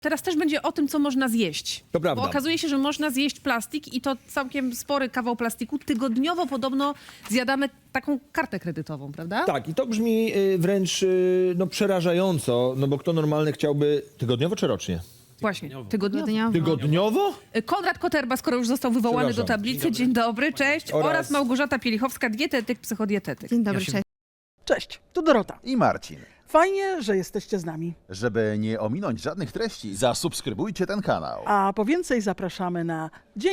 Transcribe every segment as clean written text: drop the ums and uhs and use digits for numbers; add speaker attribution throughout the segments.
Speaker 1: Teraz też będzie o tym, co można zjeść.
Speaker 2: To prawda.
Speaker 1: Bo okazuje się, że można zjeść plastik i to całkiem spory kawał plastiku. Tygodniowo podobno zjadamy taką kartę kredytową, prawda?
Speaker 2: Tak, i to brzmi wręcz no, przerażająco, no bo kto normalny chciałby tygodniowo czy rocznie?
Speaker 1: Właśnie, tygodniowo.
Speaker 2: Tygodniowo?
Speaker 1: Konrad Koterba, skoro już został wywołany do
Speaker 2: Przepraszam.
Speaker 1: tablicy. Dzień dobry, cześć. Oraz Małgorzata Pielichowska, dietetyk, psychodietetyk.
Speaker 3: Dzień dobry, cześć.
Speaker 4: Cześć, tu Dorota.
Speaker 5: I Marcin.
Speaker 4: Fajnie, że jesteście z nami.
Speaker 5: Żeby nie ominąć żadnych treści, zasubskrybujcie ten kanał.
Speaker 4: A po więcej zapraszamy na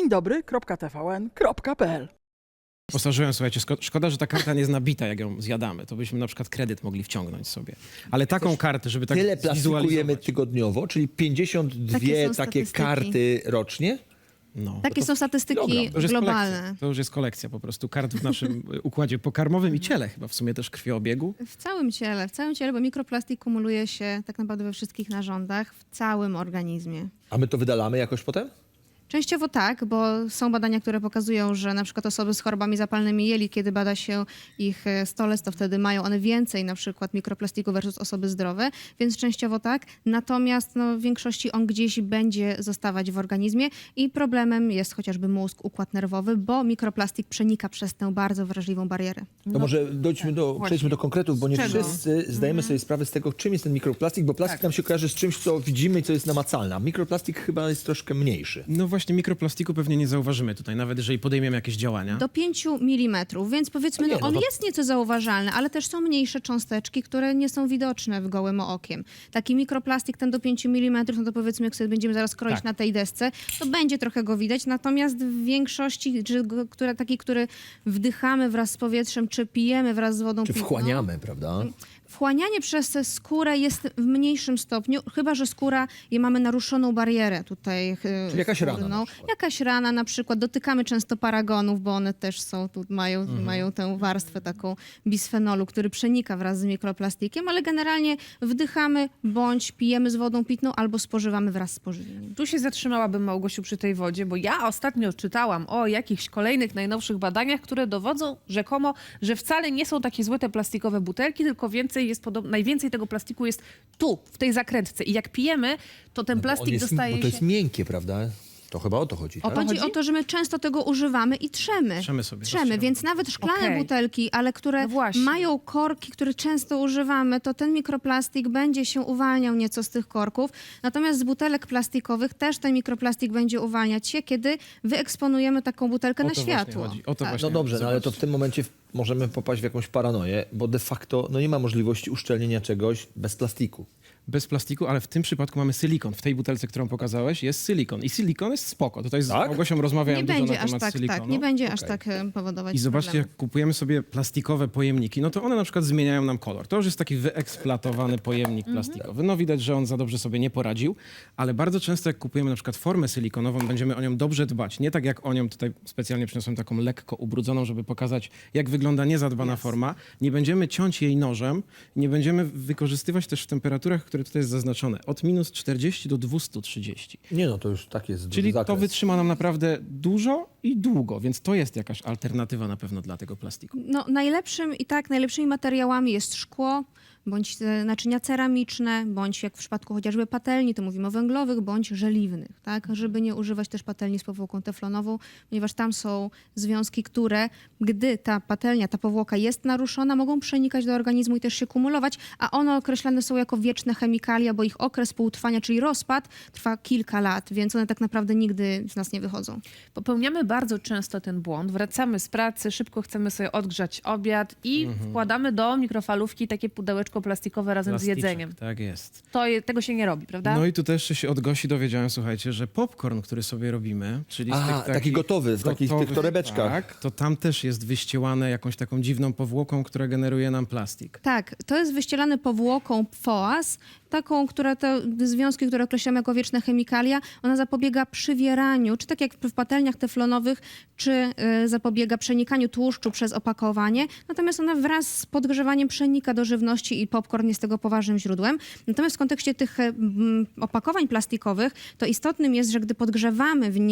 Speaker 4: dzieńdobry.tvn.pl.
Speaker 6: Postarzyłem, słuchajcie, szkoda, że ta karta nie jest nabita, jak ją zjadamy. To byśmy na przykład kredyt mogli wciągnąć sobie. Ale taką kartę, żeby tak
Speaker 2: Tyle plastikujemy
Speaker 6: zwizualizować.
Speaker 2: tygodniowo, czyli 52
Speaker 3: Takie są
Speaker 2: takie
Speaker 3: statystyki.
Speaker 2: karty rocznie?
Speaker 6: No,
Speaker 3: Takie są statystyki
Speaker 2: kilogram.
Speaker 6: to już jest
Speaker 3: globalne.
Speaker 6: kolekcja. To już jest kolekcja po prostu kart w naszym układzie pokarmowym i ciele chyba w sumie też krwiobiegu.
Speaker 3: W całym ciele, bo mikroplastik kumuluje się tak naprawdę we wszystkich narządach, w całym organizmie.
Speaker 2: A my to wydalamy jakoś potem?
Speaker 3: Częściowo tak, bo są badania, które pokazują, że na przykład osoby z chorobami zapalnymi jelit, kiedy bada się ich stolec, to wtedy mają one więcej na przykład mikroplastiku versus osoby zdrowe, więc częściowo tak. Natomiast w większości on gdzieś będzie zostawać w organizmie i problemem jest chociażby mózg, układ nerwowy, bo mikroplastik przenika przez tę bardzo wrażliwą barierę.
Speaker 2: To może przejdźmy do konkretów, bo nie
Speaker 1: czego?
Speaker 2: wszyscy zdajemy sobie sprawę z tego, czym jest ten mikroplastik, bo plastik nam się kojarzy z czymś, co widzimy i co jest namacalne. A mikroplastik chyba jest troszkę mniejszy.
Speaker 6: No właśnie mikroplastiku pewnie nie zauważymy tutaj, nawet jeżeli podejmiemy jakieś działania.
Speaker 3: Do 5 mm, więc powiedzmy,
Speaker 2: No nie,
Speaker 3: on
Speaker 2: no to-
Speaker 3: jest nieco zauważalny, ale też są mniejsze cząsteczki, które nie są widoczne w gołym okiem. Taki mikroplastik, ten do 5 mm, no to powiedzmy, jak sobie będziemy zaraz kroić
Speaker 6: Tak.
Speaker 3: na tej desce, to będzie trochę go widać, natomiast w większości, taki, który wdychamy wraz z powietrzem, czy pijemy wraz z wodą
Speaker 2: Czy
Speaker 3: pitną,
Speaker 2: wchłaniamy, prawda?
Speaker 3: wchłanianie przez skórę jest w mniejszym stopniu, chyba że skóra, mamy naruszoną barierę tutaj.
Speaker 2: Czyli jakaś rana
Speaker 3: skórną.
Speaker 2: na przykład.
Speaker 3: Jakaś rana na przykład. Dotykamy często paragonów, bo one też są, tu mają tę warstwę taką bisfenolu, który przenika wraz z mikroplastikiem, ale generalnie wdychamy bądź pijemy z wodą pitną albo spożywamy wraz z pożywieniem.
Speaker 1: Tu się zatrzymałabym, Małgosiu, przy tej wodzie, bo ja ostatnio czytałam o jakichś kolejnych, najnowszych badaniach, które dowodzą rzekomo, że wcale nie są takie złe te plastikowe butelki, tylko najwięcej tego plastiku jest tu, w tej zakrętce. I jak pijemy, to ten plastik dostaje
Speaker 2: Bo to jest
Speaker 1: się...
Speaker 2: miękkie, prawda? To chyba o to chodzi, tak?
Speaker 3: Chodzi o to, że my często tego używamy i trzemy.
Speaker 6: Trzemy sobie,
Speaker 3: Trzemy,
Speaker 6: rozcieramy.
Speaker 3: więc nawet szklane
Speaker 1: Okej.
Speaker 3: butelki, ale które
Speaker 1: No właśnie.
Speaker 3: mają korki, które często używamy, to ten mikroplastik będzie się uwalniał nieco z tych korków. Natomiast z butelek plastikowych też ten mikroplastik będzie uwalniać się, kiedy wyeksponujemy taką butelkę
Speaker 6: O
Speaker 3: na
Speaker 6: to właśnie
Speaker 3: światło.
Speaker 6: chodzi. O to
Speaker 3: Tak.
Speaker 6: właśnie
Speaker 2: No dobrze, no ale to w
Speaker 6: zobaczcie.
Speaker 2: tym momencie możemy popaść w jakąś paranoję, bo de facto no nie ma możliwości uszczelnienia czegoś bez plastiku.
Speaker 6: Bez plastiku, ale w tym przypadku mamy silikon. W tej butelce, którą pokazałeś, jest silikon. I silikon jest spoko. Tutaj z
Speaker 2: Tak?
Speaker 6: Małgosią rozmawiałem
Speaker 3: Nie
Speaker 6: dużo
Speaker 3: będzie
Speaker 6: na
Speaker 3: aż
Speaker 6: temat
Speaker 3: tak,
Speaker 6: silikonu.
Speaker 3: nie będzie aż tak powodować
Speaker 6: I zobaczcie,
Speaker 3: problemu.
Speaker 6: jak kupujemy sobie plastikowe pojemniki, no to one na przykład zmieniają nam kolor. To już jest taki wyeksploatowany pojemnik plastikowy. No widać, że on za dobrze sobie nie poradził, ale bardzo często jak kupujemy na przykład formę silikonową, będziemy o nią dobrze dbać. Nie tak jak o nią, tutaj specjalnie przyniosłem taką lekko ubrudzoną, żeby pokazać, jak wygląda niezadbana forma. Nie będziemy ciąć jej nożem, nie będziemy wykorzystywać też w temperaturach, które tutaj jest zaznaczone, od minus 40 do 230.
Speaker 2: Nie no, to już tak jest
Speaker 6: Czyli
Speaker 2: zakres.
Speaker 6: to wytrzyma nam naprawdę dużo i długo, więc to jest jakaś alternatywa na pewno dla tego plastiku.
Speaker 3: No, najlepszymi materiałami jest szkło, bądź naczynia ceramiczne, bądź jak w przypadku chociażby patelni, to mówimy o węglowych, bądź żeliwnych, tak? Żeby nie używać też patelni z powłoką teflonową, ponieważ tam są związki, które, gdy ta patelnia, ta powłoka jest naruszona, mogą przenikać do organizmu i też się kumulować, a one określane są jako wieczne chemikalia, bo ich okres półtrwania, czyli rozpad, trwa kilka lat, więc one tak naprawdę nigdy z nas nie wychodzą.
Speaker 1: Popełniamy bardzo często ten błąd. Wracamy z pracy, szybko chcemy sobie odgrzać obiad i wkładamy do mikrofalówki takie pudełeczko plastikowe razem z
Speaker 6: Plasticzek,
Speaker 1: jedzeniem.
Speaker 6: Tak jest.
Speaker 1: Tego się nie robi, prawda?
Speaker 6: No i tu też się od Gosi dowiedziałem, słuchajcie, że popcorn, który sobie robimy, czyli z
Speaker 2: Aha,
Speaker 6: tych
Speaker 2: taki
Speaker 6: takich
Speaker 2: gotowy, w takich tych torebeczkach.
Speaker 6: Tak, to tam też jest wyściełane jakąś taką dziwną powłoką, która generuje nam plastik.
Speaker 3: Tak, to jest wyścielane powłoką PFOAS, taką, która te związki, które określamy jako wieczne chemikalia, ona zapobiega przywieraniu, czy tak jak w patelniach teflonowych, czy zapobiega przenikaniu tłuszczu przez opakowanie. Natomiast ona wraz z podgrzewaniem przenika do żywności i popcorn jest tego poważnym źródłem. Natomiast w kontekście tych opakowań plastikowych, to istotnym jest, że gdy podgrzewamy w nich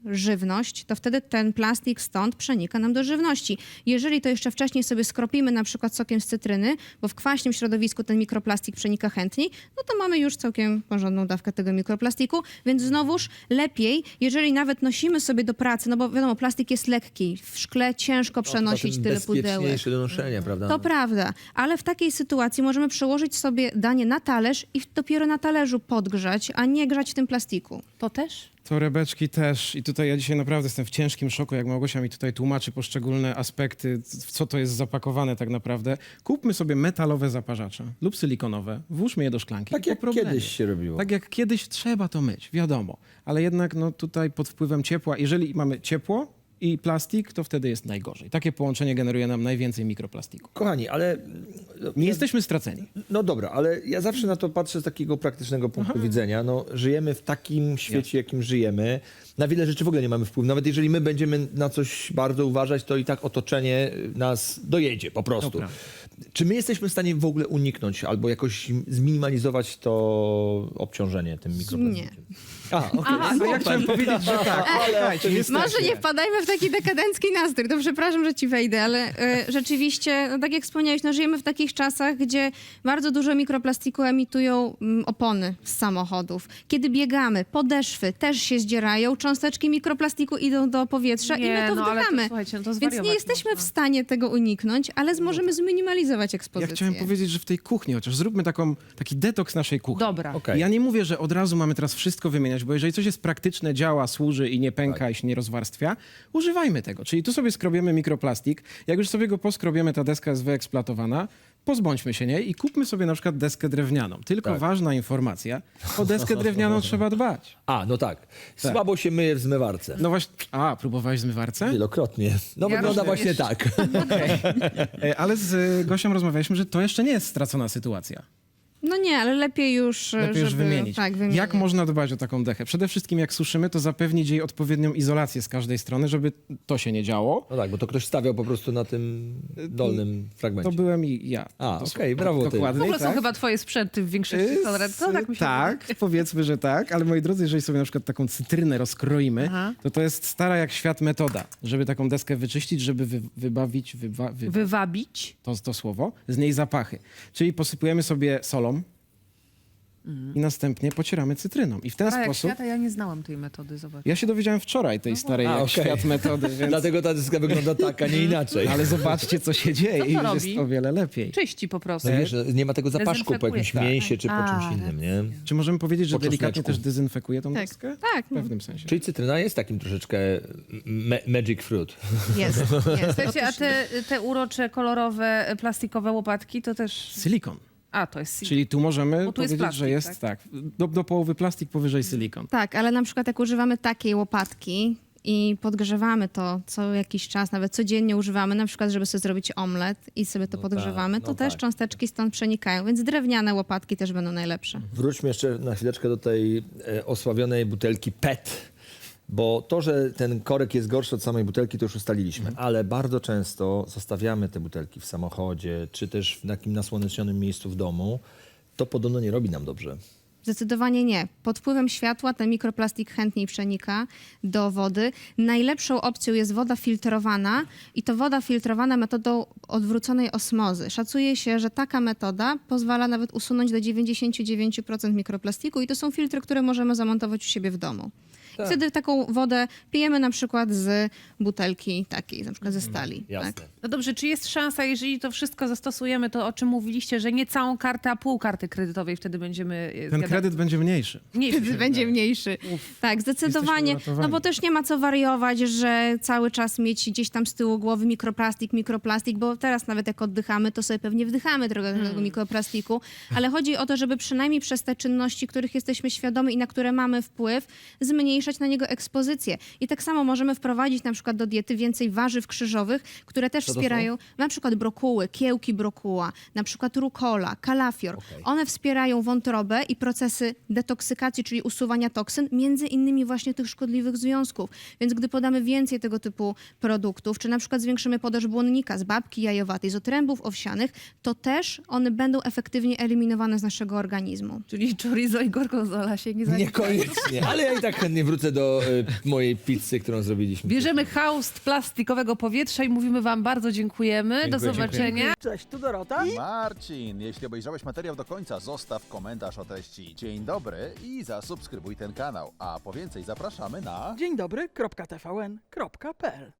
Speaker 3: żywność, to wtedy ten plastik stąd przenika nam do żywności. Jeżeli to jeszcze wcześniej sobie skropimy na przykład sokiem z cytryny, bo w kwaśnym środowisku ten mikroplastik przenika chętniej, no to mamy już całkiem porządną dawkę tego mikroplastiku, więc znowuż lepiej, jeżeli nawet nosimy sobie do pracy, no bo wiadomo, plastik jest lekki, w szkle ciężko przenosić tyle pudełek.
Speaker 2: Bezpieczniejsze do noszenia, prawda?
Speaker 3: To prawda, ale w takiej sytuacji możemy przełożyć sobie danie na talerz i dopiero na talerzu podgrzać, a nie grzać w tym plastiku.
Speaker 1: To też?
Speaker 6: Torebeczki też. I tutaj ja dzisiaj naprawdę jestem w ciężkim szoku, jak Małgosia mi tutaj tłumaczy poszczególne aspekty, w co to jest zapakowane tak naprawdę. Kupmy sobie metalowe zaparzacze lub silikonowe, włóżmy je do szklanki.
Speaker 2: Tak
Speaker 6: po
Speaker 2: jak
Speaker 6: problemie.
Speaker 2: kiedyś się robiło.
Speaker 6: Tak jak kiedyś trzeba to myć, wiadomo. Ale jednak no, tutaj pod wpływem ciepła, jeżeli mamy ciepło i plastik, to wtedy jest najgorzej. Takie połączenie generuje nam najwięcej mikroplastiku.
Speaker 2: Kochani, ale...
Speaker 6: Nie jesteśmy straceni.
Speaker 2: No dobra, ale ja zawsze na to patrzę z takiego praktycznego punktu widzenia. No, żyjemy w takim świecie, jakim żyjemy. Na wiele rzeczy w ogóle nie mamy wpływu. Nawet jeżeli my będziemy na coś bardzo uważać, to i tak otoczenie nas dojedzie po prostu.
Speaker 6: Dobra.
Speaker 2: Czy my jesteśmy w stanie w ogóle uniknąć albo jakoś zminimalizować to obciążenie tym mikroplastikiem?
Speaker 6: No ja chciałem powiedzieć, że tak. Słuchajcie,
Speaker 3: Może nie wpadajmy w taki dekadencki nastrój, to przepraszam, że ci wejdę, ale rzeczywiście, no tak jak wspomniałeś, no żyjemy w takich czasach, gdzie bardzo dużo mikroplastiku emitują opony z samochodów. Kiedy biegamy, podeszwy też się zdzierają, cząsteczki mikroplastiku idą do powietrza i my to
Speaker 1: no, ale
Speaker 3: wdychamy.
Speaker 1: słuchajcie, no to
Speaker 3: Więc
Speaker 1: zwariować
Speaker 3: nie jesteśmy
Speaker 1: można.
Speaker 3: w stanie tego uniknąć, ale możemy zminimalizować
Speaker 6: Ja
Speaker 3: ekspozycję.
Speaker 6: chciałem powiedzieć, że w tej kuchni, chociaż zróbmy taki detoks naszej kuchni.
Speaker 1: Dobra.
Speaker 2: Okej.
Speaker 6: Ja nie mówię, że od razu mamy teraz wszystko wymieniać, bo jeżeli coś jest praktyczne, działa, służy i nie pęka i się nie rozwarstwia, używajmy tego. Czyli tu sobie skrobiemy mikroplastik. Jak już sobie go poskrobiemy, ta deska jest wyeksploatowana, pozbądźmy się niej i kupmy sobie na przykład deskę drewnianą. Tylko ważna informacja, o deskę drewnianą trzeba dbać.
Speaker 2: No tak. Słabo się myje w zmywarce.
Speaker 6: No właśnie, próbowałeś w zmywarce?
Speaker 2: Wielokrotnie. No
Speaker 1: Ja
Speaker 2: wygląda
Speaker 1: również.
Speaker 2: właśnie tak.
Speaker 6: Ale z Gosią rozmawialiśmy, że to jeszcze nie jest stracona sytuacja.
Speaker 3: No nie, ale lepiej już,
Speaker 6: Lepiej już
Speaker 3: żeby,
Speaker 6: wymienić.
Speaker 3: Tak, wymienić.
Speaker 6: Jak można dbać o taką dechę? Przede wszystkim jak suszymy, to zapewnić jej odpowiednią izolację z każdej strony, żeby to się nie działo.
Speaker 2: No tak, bo to ktoś stawiał po prostu na tym dolnym fragmencie.
Speaker 6: To byłem i ja.
Speaker 2: Okej, brawo ty.
Speaker 1: W
Speaker 6: Dokładnie,
Speaker 1: ogóle są
Speaker 6: tak.
Speaker 1: chyba twoje sprzęty w większości toalet. Tak mi się
Speaker 6: Tak, powiedzmy, że tak, ale moi drodzy, jeżeli sobie na przykład taką cytrynę rozkroimy,
Speaker 1: Aha.
Speaker 6: to jest stara jak świat metoda, żeby taką deskę wyczyścić, żeby wybawić,
Speaker 1: Wywabić.
Speaker 6: to słowo, z niej zapachy. Czyli posypujemy sobie solą i następnie pocieramy cytryną. I w ten
Speaker 1: A jak
Speaker 6: sposób...
Speaker 1: świata, ja nie znałam tej metody, zobacz.
Speaker 6: Ja się dowiedziałem wczoraj tej starej jak
Speaker 2: okej.
Speaker 6: świat metody, więc...
Speaker 2: Dlatego ta dyska wygląda tak, a nie inaczej.
Speaker 6: Ale zobaczcie, co się dzieje
Speaker 1: Co
Speaker 6: i
Speaker 1: to
Speaker 6: już
Speaker 1: robi?
Speaker 6: jest o wiele lepiej.
Speaker 1: Czyści po prostu.
Speaker 2: No wiesz, nie ma tego zapaszku po
Speaker 1: Dezynfekuje.
Speaker 2: jakimś
Speaker 1: Tak.
Speaker 2: mięsie czy po
Speaker 1: A,
Speaker 2: czymś innym, nie?
Speaker 6: Czy możemy powiedzieć, że
Speaker 2: Po
Speaker 6: delikatnie
Speaker 2: czosneczku.
Speaker 6: też dezynfekuje tą
Speaker 3: Tak,
Speaker 6: deskę?
Speaker 3: tak.
Speaker 6: W pewnym sensie.
Speaker 2: Czyli cytryna jest takim troszeczkę magic fruit.
Speaker 3: Jest.
Speaker 1: Słuchajcie, a te urocze, kolorowe, plastikowe łopatki to też...
Speaker 6: Silikon.
Speaker 1: A, to jest...
Speaker 6: Czyli tu możemy
Speaker 1: Bo tu jest
Speaker 6: powiedzieć,
Speaker 1: plastik,
Speaker 6: że jest tak, do połowy plastik, powyżej silikon.
Speaker 3: Tak, ale na przykład jak używamy takiej łopatki i podgrzewamy to co jakiś czas, nawet codziennie używamy, na przykład żeby sobie zrobić omlet i sobie to podgrzewamy, to też cząsteczki stąd przenikają, więc drewniane łopatki też będą najlepsze.
Speaker 2: Wróćmy jeszcze na chwileczkę do tej osławionej butelki PET. Bo to, że ten korek jest gorszy od samej butelki, to już ustaliliśmy. Ale bardzo często zostawiamy te butelki w samochodzie, czy też w takim nasłonecznionym miejscu w domu. To podobno nie robi nam dobrze.
Speaker 3: Zdecydowanie nie. Pod wpływem światła ten mikroplastik chętniej przenika do wody. Najlepszą opcją jest woda filtrowana i to woda filtrowana metodą odwróconej osmozy. Szacuje się, że taka metoda pozwala nawet usunąć do 99% mikroplastiku i to są filtry, które możemy zamontować u siebie w domu.
Speaker 2: Tak.
Speaker 3: Wtedy taką wodę pijemy na przykład z butelki takiej, na przykład ze stali.
Speaker 2: Jasne.
Speaker 3: Tak?
Speaker 1: No dobrze, czy jest szansa, jeżeli to wszystko zastosujemy, to o czym mówiliście, że nie całą kartę, a pół karty kredytowej wtedy będziemy...
Speaker 6: Ten kredyt będzie mniejszy.
Speaker 3: Wtedy będzie mniejszy. Tak, zdecydowanie.
Speaker 6: Jesteśmy uratowani.
Speaker 3: No bo też nie ma co wariować, że cały czas mieć gdzieś tam z tyłu głowy mikroplastik, bo teraz nawet jak oddychamy, to sobie pewnie wdychamy trochę tego mikroplastiku, ale chodzi o to, żeby przynajmniej przez te czynności, których jesteśmy świadomi i na które mamy wpływ, zmniejszać na niego ekspozycję. I tak samo możemy wprowadzić na przykład do diety więcej warzyw krzyżowych, które też
Speaker 2: to są?
Speaker 3: wspierają na przykład brokuły, kiełki brokuła, na przykład rukola, kalafior.
Speaker 2: Okej.
Speaker 3: One wspierają wątrobę i procesy detoksykacji, czyli usuwania toksyn, między innymi właśnie tych szkodliwych związków. Więc gdy podamy więcej tego typu produktów, czy na przykład zwiększymy podaż błonnika z babki jajowatej, z otrębów owsianych, to też one będą efektywnie eliminowane z naszego organizmu.
Speaker 1: Czyli chorizo i gorgonzola się nie zaliczy.
Speaker 2: Niekoniecznie, ale ja i tak chętnie wrócę wrócę do mojej pizzy, którą zrobiliśmy.
Speaker 1: Bierzemy haust plastikowego powietrza i mówimy wam bardzo dziękujemy. Do
Speaker 2: Dziękuję,
Speaker 1: zobaczenia.
Speaker 4: Cześć, tu Dorota.
Speaker 5: Marcin, jeśli obejrzałeś materiał do końca, zostaw komentarz o treści. Dzień dobry i zasubskrybuj ten kanał. A po więcej zapraszamy na...
Speaker 4: Dzień dobry, .tvn.pl